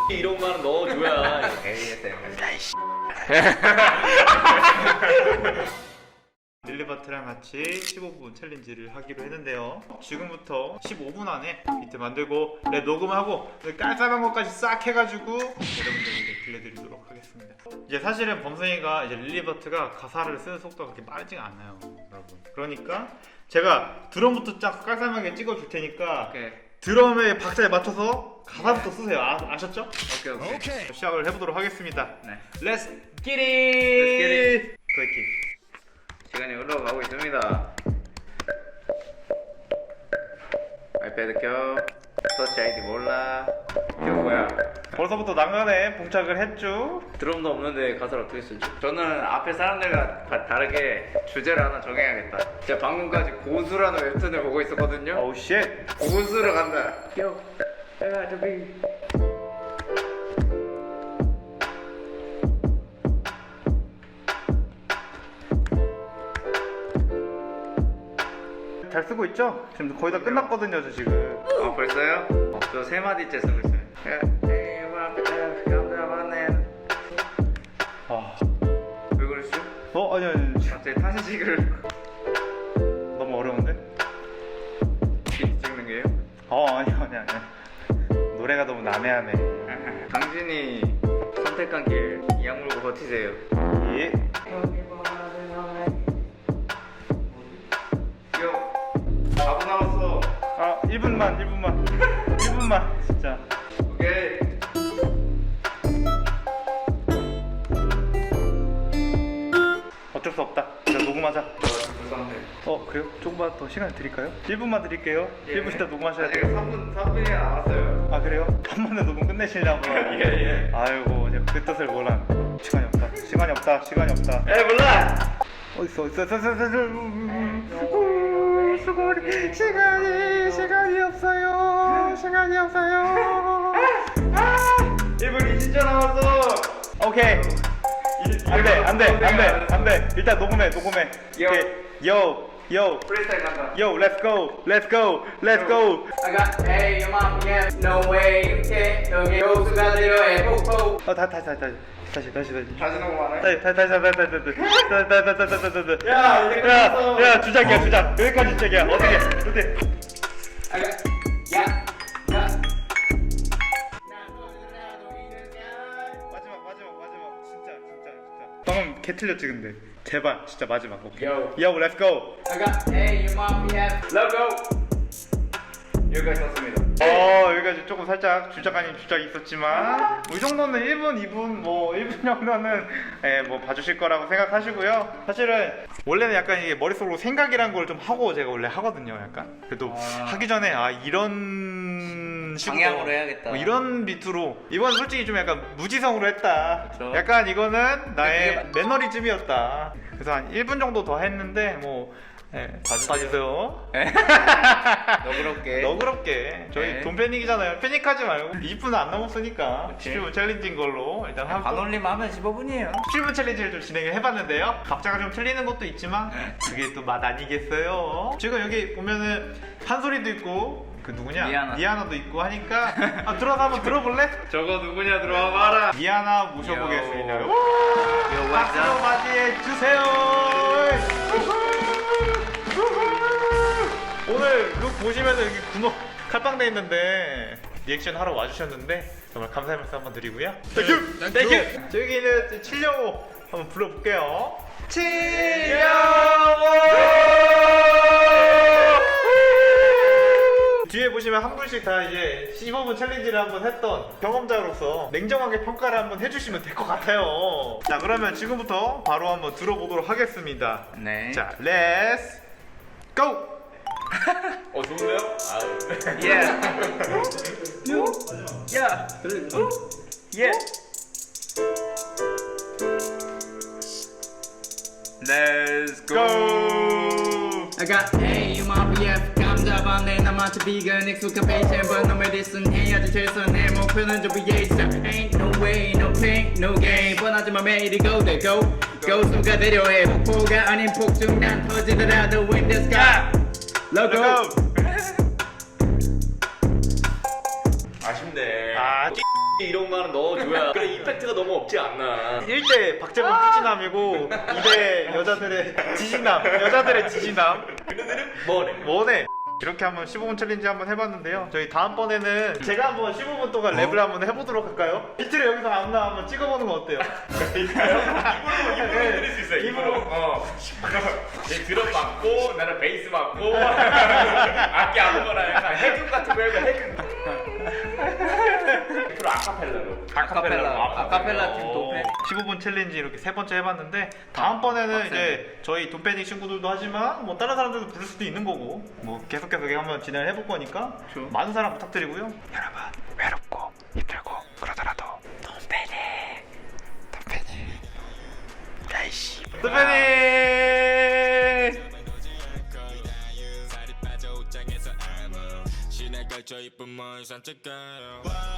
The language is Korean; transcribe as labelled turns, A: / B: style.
A: 이런 말은 넣어줘야.
B: ASMR.
C: 릴리버트랑 같이 15분 챌린지를 하기로 했는데요. 지금부터 15분 안에 비트 만들고 녹음하고 깔쌈한 것까지 싹 해가지고 여러분들에게 들려드리도록 하겠습니다. 이제 사실은 범성이가 이제 릴리버트가 가사를 쓰는 속도가 그렇게 빠르지가 않아요, 여러분. 그러니까 제가 드럼부터 쫙 깔쌈하게 찍어줄 테니까
B: 오케이.
C: 드럼의 박자에 맞춰서 가사부터 쓰세요. 아셨죠?
B: 오케이.
C: 시작을 해보도록 하겠습니다.
B: 네.
C: Let's get it! 그렇게.
B: 시간이 흘러가고 있습니다. 아이패드 켜. 터치 아이디 몰라. 이거 뭐야?
C: 벌써부터 난간에 봉착을 했죠.
B: 드럼도 없는데 가사를 어떻게 쓰지? 저는 앞에 사람들과 다르게 주제를 하나 정해야겠다. 제가 방금까지 고수라는 웹툰을 보고 있었거든요.
C: 오우 쉣.
B: 고수로 간다. Yo, I got to be.
C: 잘 쓰고 있죠? 지금 거의 다 끝났거든요, 저 지금.
B: 아 벌써요? 저 세 마디째 쓰고 있어요.
C: 아,
B: 왜 그러시죠?
C: 아니.
B: 갑자기 탄식을
C: 너무 어려운데?
B: 비트 찍는 게요?
C: 아니. 노래가 너무 난해하네.
B: 당신이 선택한 길 이악 물고 버티세요.
C: 예.
B: 요 4분 남았어.
C: 1분만 진짜.
B: 오케이.
C: 어쩔 수 없다. 그냥 녹음하자.
B: 불쌍해.
C: 그래요? 조금만 더 시간 드릴까요? 1분만 드릴게요. 1분 있다 녹음하셔야
B: 아직
C: 돼요.
B: 3분이 남았어요.
C: 아 그래요? 한 번에 녹음 끝내시려고.
B: 예.
C: 아이고 제가 그 뜻을 몰랐네. 시간이 없다.
B: 에이 몰라.
C: 어딨어. 시간이 없어요.
B: 1분 20초 남았어.
C: 오케이. 안돼. 일단 녹음해.
B: 요.
C: 오케이. Yo,
B: 프리스타일 간다.
C: let's go.
D: I got hey, your mom, yeah, no way, you can't, 여기 호수가 내려해, 폭포.
C: 다시.
B: 다시 녹음하네.
C: 다시.
B: 야 이제 끝났어.
C: 야, 주작. 여기까지 주작이야. 어떻게?
D: I got, yeah.
C: 마지막. 진짜. 방금 개 틀렸지 근데. 제발, 진짜 마지막. 오케이.
B: Yo.
C: Yo, let's go.
D: I got hey, your mom, yeah.
B: Logo. 여기까지 썼습니다.
C: 여기까지 조금 살짝 주작 아닌 주작이 있었지만 이 정도는 1분, 2분, 뭐 1분 정도는 뭐 봐주실 거라고 생각하시고요. 사실은 원래는 약간 이게 머릿속으로 생각이란 걸 좀 하고 제가 원래 하거든요. 약간 그래도 하기 전에 이런 식으로
B: 방향으로 해야겠다.
C: 뭐 이런 비트로 이건 솔직히 좀 약간 무지성으로 했다.
B: 그쵸.
C: 약간 이거는 나의 매너리즘이었다. 그래서 한 1분 정도 더 했는데 뭐 봐주세요. 너그럽게 저희
B: 네.
C: 돈 패닉이잖아요. 패닉하지 말고 20분 안 남았으니까 17분 챌린지인 걸로 일단 하고
B: 반올림 하면 15분이에요.
C: 17분 챌린지를 좀 진행을 해봤는데요. 각자가 좀 틀리는 것도 있지만 그게 또 맛 아니겠어요. 지금 여기 보면은 한소리도 있고 그 누구냐? 미아나도 있고 하니까 들어가서 한번 들어볼래?
B: 저거 누구냐 들어와 봐라.
C: 미아나 모셔보겠습니다.
B: 요.
C: 박수로 맞이해주세요. 오늘 룩 보시면 여기 구멍 칼빵돼 있는데 리액션 하러 와주셨는데 정말 감사의 말씀 한번 드리고요. 땡큐! 저기는 칠령호 한번 불러볼게요. 칠령호! 뒤에 보시면 한 분씩 다 이제 15분 챌린지를 한번 했던 경험자로서 냉정하게 평가를 한번 해주시면 될 것 같아요. 자, 그러면 지금부터 바로 한번 들어보도록 하겠습니다.
B: 네.
C: 자, 렛츠 고!
A: 좋은데요?
B: 예. 야. 예. Let's go.
D: I got hey, your mom, yeah. 감잡아내 남한테 비건 익숙한 패션 but no medicine 해야지 최선의 목표는 좀 위해서 Ain't no way, no pain, no gain 뻔하지만 매일이 go there go 고수가 내려해 폭포가 아닌 폭죽 난 터지더라도 in the sky Logo
A: 아쉽네.
C: 아,
A: 이런 공간은 넣어줘야 그래 임팩트가 너무 없지 않나.
C: 1대 박재범 푸진남이고 2대 여자들의 지진남.
A: 그네들은 뭐래?
C: 뭐네? 이렇게 한번 15분 챌린지 한번 해봤는데요. 저희 다음번에는 제가 한번 15분 동안 랩을 한번 해보도록 할까요? 비트를 여기서 아무나 한번 찍어보는 거 어때요?
A: 입으로 해드릴 수 있어요. 입으로. 얘 드럼 맞고 나는 베이스 맞고 악기 아무거나 약간 해금 같은 거 해봐 해금. 앞으로 아카펠라로.
D: 아카펠라 팀 도패.
C: 15분 챌린지 이렇게 세 번째 해봤는데 다음번에는 이제 저희 돈패닉 친구들도 하지만 뭐 다른 사람들도 부를 수도 있는 거고 뭐 계속해서 한번 진행을 해볼 거니까 많은 사랑 부탁드리고요. 여러분 외롭고 힘들고 그러더라도 돈패닉 야이씨 돈패닉
E: 시내 걸쳐 이쁜 머리 산책가요